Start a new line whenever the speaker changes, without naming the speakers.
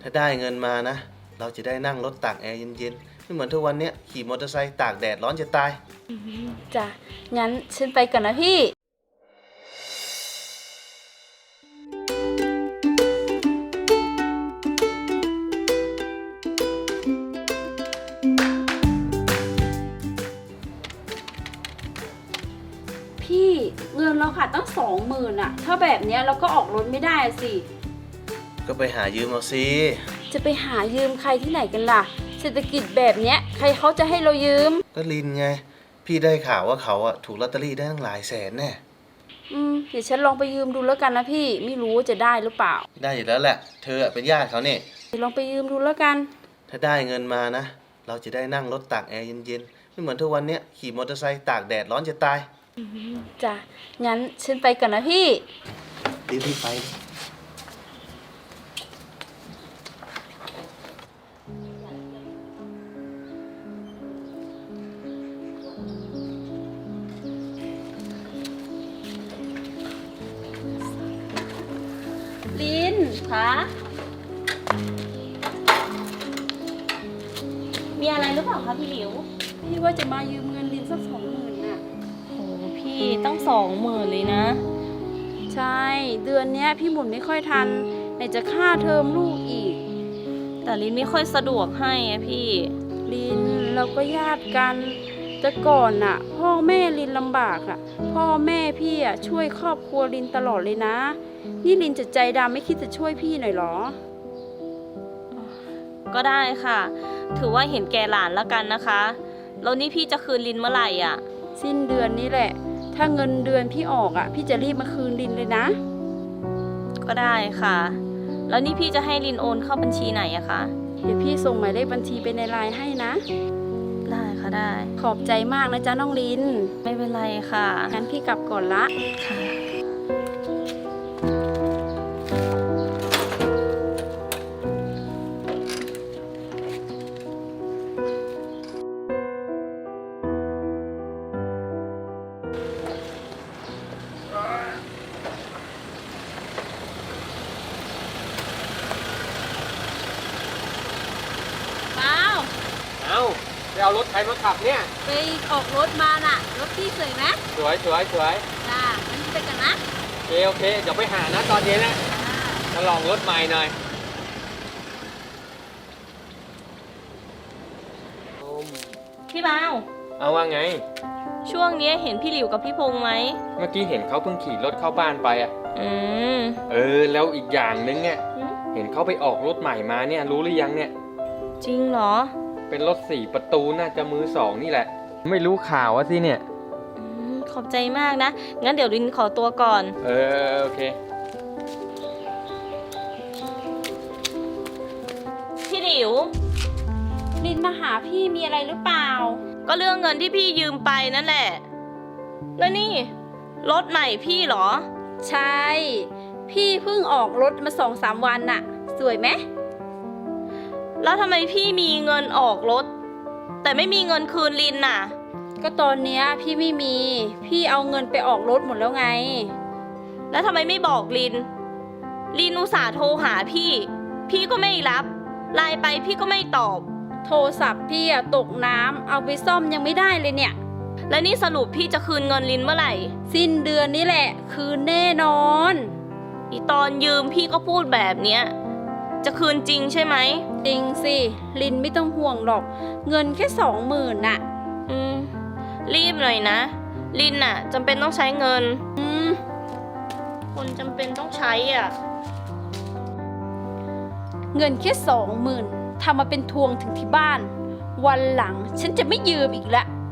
ถ้าได้เงินมานะเราจะได้นั่งรถตากแอร์เย็นๆไม่เหมือนทุกวันนี้ขี่มอเตอร์ไซค์ตากแดดร้อนจะตาย
จ้ะงั้นฉันไปก่อนนะพี่เงินเราขาดตั้ง20,000อะถ้าแบบเนี้ยเราก็ออกรถไม่ได้สิ
ก็ไปหายืมเอาสิ
จะไปหายืมใครที่ไหนกันล่ะเศรษฐกิจแบบเนี้ยใครเขาจะให้เรายืม
ก็ลินไงพี่ได้ข่าวว่าเขาอะถูกลอตเตอรี่ได้ตั้งหลายแสนแน่
เดี๋ยวฉันลองไปยืมดูแล้วกันนะพี่ไม่รู้ว่าจะได้หรือเปล่า
ได้อยู่แล้วแหละเธอเป็นญาติเขาเนี่ย
ลองไปยืมดูแล้วกัน
ถ้าได้เงินมานะเราจะได้นั่งรถตากแอร์เย็นๆไม่เหมือนทุกวันนี้ขี่มอเตอร์ไซค์ตากแดดร้อนจะตาย
จ้ะงั้นฉันไปก่อนนะพี่
รีบไป
ลินคะ
มีอะไรหรือเปล่าคะพี่หลิว
พี่ว่าจะมายืมเงินลินสัก20,000น่ะ
โอ้พี่ตั้ง20,000เลยนะ
ใช่เดือนเนี้ยพี่หมุนไม่ค่อยทันไหนจะค่าเทอมลูกอีก
แต่ลินไม่ค่อยสะดวกให้อะพี่
ลินเราก็ญาติกันแต่ก่อนน่ะพ่อแม่ลินลำบากอ่ะพ่อแม่พี่อ่ะช่วยครอบครัวลินตลอดเลยนะนี่ลินจะใจดำไม่คิดจะช่วยพี่หน่อยหรอ
ก็ได้ค่ะถือว่าเห็นแก่หลานแล้วกันนะคะแล้วนี่พี่จะคืนลินเมื่อไหร่อ่ะ
สิ้นเดือนนี้แหละถ้าเงินเดือนพี่ออกอ่ะพี่จะรีบมาคืนลินเลยนะ
ก็ได้ค่ะแล้วนี่พี่จะให้ลินโอนเข้าบัญชีไหนอะคะ
เดี๋ยวพี่ส่งหมายเลขบัญชีไปในไลน์ให้นะ
ได้ค่ะได้
ขอบใจมากนะจ๊ะน้องลิน
ไม่เป็นไรค่ะ
งั้นพี่กลับก่อนละ
ค่ะ
ไปเอารถใครมาขับเนี่ย
ไปออกรถมาน่ะรถพี่สวยไหม
สวยจ้า
งั้นไปกันนะ
โอเคเดี๋ยวไปหานะตอนเย็นนะมาลองรถใหม่หน่อย
พี่บ่าว
เอาว่าไง
ช่วงนี้เห็นพี่หลิวกับพี่พงษ์ไหม
เมื่อกี้เห็นเขาเพิ่งขี่รถเข้าบ้านไปอ่ะแล้วอีกอย่างนึงเนี่ยเห็นเขาไปออกรถใหม่มาเนี่ยรู้หรือยังเนี่ย
จริงเหรอ
เป็นรถ4 ประตูน่าจะมือ2นี่แหละไม่รู้ข่าวสิเนี่ย
ขอบใจมากนะงั้นเดี๋ยวลินขอตัวก่อน
โอเค
พี่หลิว
ลินมาหาพี่มีอะไรหรือเปล่า
ก็เรื่องเงินที่พี่ยืมไปนั่นแหละแล้วนี่รถใหม่พี่เหรอ
ใช่พี่เพิ่งออกรถมา2-3 วันน่ะสวยไหม
แล้วทำไมพี่มีเงินออกรถแต่ไม่มีเงินคืนลินน่ะ
ก็ตอนเนี้ยพี่ไม่มีพี่เอาเงินไปออกรถหมดแล้วไง
แล้วทำไมไม่บอกลินอุตส่าห์โทรหาพี่ก็ไม่รับไลน์ไปพี่ก็ไม่ตอบ
โทรศัพท์พี่อะตกน้ำเอาไปซ่อมยังไม่ได้เลยเนี่ย
แล้วนี่สรุปพี่จะคืนเงินลินเมื่อไหร่
สิ้นเดือนนี้แหละคืนแน่นอน
อีตอนยืมพี่ก็พูดแบบเนี้ยจะคืนจริงใช่ไหม
จริงสิลินไม่ต้องห่วงหรอกเงินแค่20,000น่ะ
รีบหน่อยนะลินน่ะจำเป็นต้องใช้เงินคนจำเป็นต้องใช้อ่ะ
เงินแค่20,000ทำมาเป็นทวงถึงที่บ้านวันหลังฉันจะไม่ยืมอีกแล้ว